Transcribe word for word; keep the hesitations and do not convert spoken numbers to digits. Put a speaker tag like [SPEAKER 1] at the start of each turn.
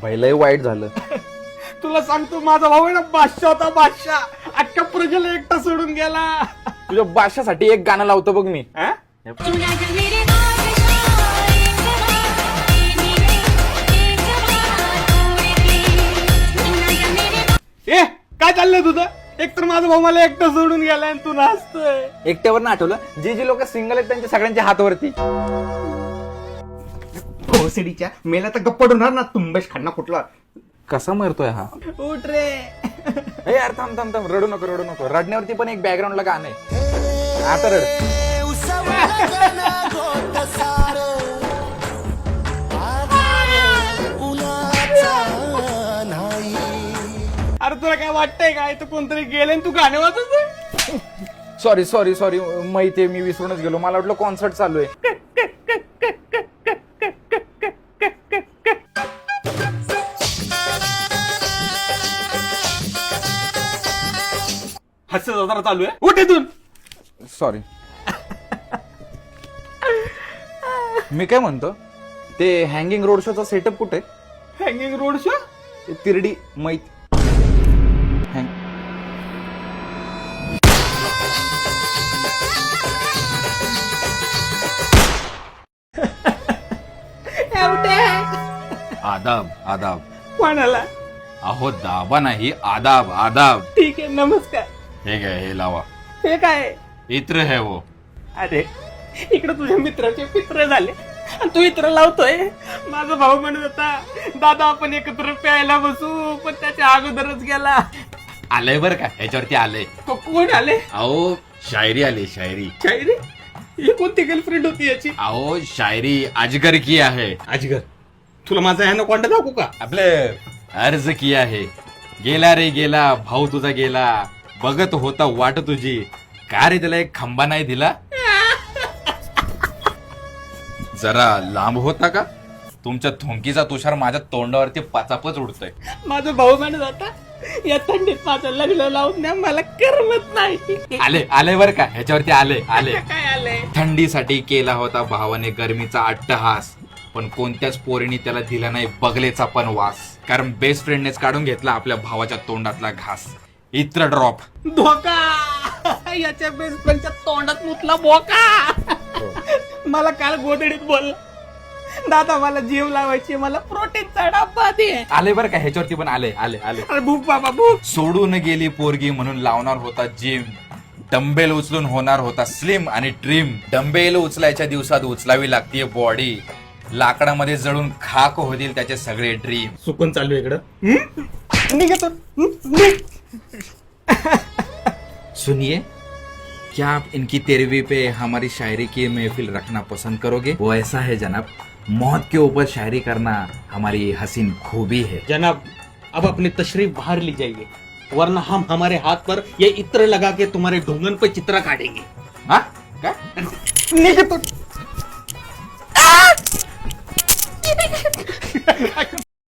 [SPEAKER 1] भाई लय वाईट झालं.
[SPEAKER 2] तुला सांगतो माझा भाऊ आहे ना बादशाह होता बादशाह, अख्ख्या प्रजेला एकटा सोडून गेला.
[SPEAKER 1] तुझ्या बादशासाठी एक गाणं लावतो बघ मी.
[SPEAKER 2] हा? ए काय चाललंय तुझं? एक तर माझा भाऊ मला एकटा सोडून गेलाय आणि तू नाचतोय.
[SPEAKER 1] एकट्यावर ना आठवलं, जे जे लोक सिंगल आहेत त्यांच्या सगळ्यांच्या हातावरती.
[SPEAKER 2] भोसडीच्या मेला तर गप्पड होणार ना, तुंबेश खान्ना कुठला.
[SPEAKER 1] कसा मरतोय हा?
[SPEAKER 2] उठ रे.
[SPEAKER 1] ए यार थांब थांब थांब, रडू नको रडू नको. रडण्यावरती पण एक बॅकग्राऊंडला गाणं आहे. आता रड.
[SPEAKER 2] अरे तुला काय वाटतंय काय, तू कोणतरी गेले तू गाणे वाजवतोय.
[SPEAKER 1] सॉरी सॉरी सॉरी माहितीये, मी विसरूनच गेलो. मला वाटलं कॉन्सर्ट चालू आहे.
[SPEAKER 2] हास्य जत्रा चालू आहे, उठ इथून.
[SPEAKER 1] सॉरी. मी काय म्हणतो, ते हँगिंग रोड शोचा सेटअप कुठे?
[SPEAKER 2] Hanging road show.
[SPEAKER 1] ते तिरडी मैत हँग
[SPEAKER 3] आदाब आदाब.
[SPEAKER 2] कोणाला?
[SPEAKER 3] अहो दाबा नाही, आदाब आदाब.
[SPEAKER 2] ठीक आहे, नमस्कार.
[SPEAKER 3] हे काय, हे लावा.
[SPEAKER 2] हे काय?
[SPEAKER 3] इत्र है वो.
[SPEAKER 2] अरे इकडे तुझ्या मित्राचे पित्र झाले आणि तू इत्र लावतोय. माझा भाऊ म्हणत होता दादा आपण एकत्र प्यायला बसू, पण त्याच्या अगोदरच गेला.
[SPEAKER 3] आलंय बर का, ह्याच्यावरती आलंय.
[SPEAKER 2] को- कोण आले?
[SPEAKER 3] अहो शायरी आली, शायरी.
[SPEAKER 2] शायरी? ही कोणती गर्लफ्रेंड होती याची?
[SPEAKER 3] अहो शायरी अजगर की आहे.
[SPEAKER 2] अजगर, तुला माझा ह्यानं कोणता दाखवू का?
[SPEAKER 3] आपले अर्ज किया है. गेला रे गेला, भाऊ तुझा गेला, बघत होता वाट तुझी, का रे त्याला एक खांबा नाही दिला. जरा लांब होता का, तुमच्या थुंकीचा तुषार माझ्या तोंडावरती पाचापच उडतोय.
[SPEAKER 2] माझा भाऊ म्हणत होता या थंडीत माझं लग्न लावून द्या, मला करमत नाही.
[SPEAKER 3] आले आले बर का, ह्याच्यावरती आले आले.
[SPEAKER 2] काय आलंय?
[SPEAKER 3] थंडीसाठी केला होता भावाने गरमीचा अट्टहास, पण कोणत्याच पोरीने त्याला दिला नाही बगलेचा पण वास, कारण बेस्ट फ्रेंडनेच काढून घेतला आपल्या भावाच्या तोंडातला घास. इत्र ड्रॉप.
[SPEAKER 2] धोका. याच्या बेस्ट फ्रेंडच्या तोंडात मुतला बोका. मला काल गोदडीत बोल, दादा मला जीव लावायची, मला प्रोटीनचा डब्बा दे.
[SPEAKER 3] आले बर का, ह्याच्यावरती पण आले आले आले.
[SPEAKER 2] अरे भूक बाबा भूक.
[SPEAKER 3] सोडून गेली पोरगी म्हणून लावणार होता जिम, डंबेल उचलून होणार होता स्लिम आणि ट्रिम. डंबेल उचलायच्या दिवसात उचलावी लागतीये बॉडी, लाकडामध्ये जळून खाक होतील त्याचे सगळे ड्रीम.
[SPEAKER 2] सुकून चालू इकडं निघतो.
[SPEAKER 3] सुनिए, क्या आप इनकी तेरहवीं पे हमारी शायरी की महफिल रखना पसंद करोगे? वो ऐसा है जनाब, मौत के ऊपर शायरी करना हमारी हसीन खूबी है.
[SPEAKER 2] जनाब अब अपनी तशरीफ बाहर ली जाइए, वरना हम हमारे हाथ पर ये इत्र लगा के तुम्हारे ढूंढन पे चित्र काटेंगे.
[SPEAKER 3] हा काय?
[SPEAKER 2] निघतो.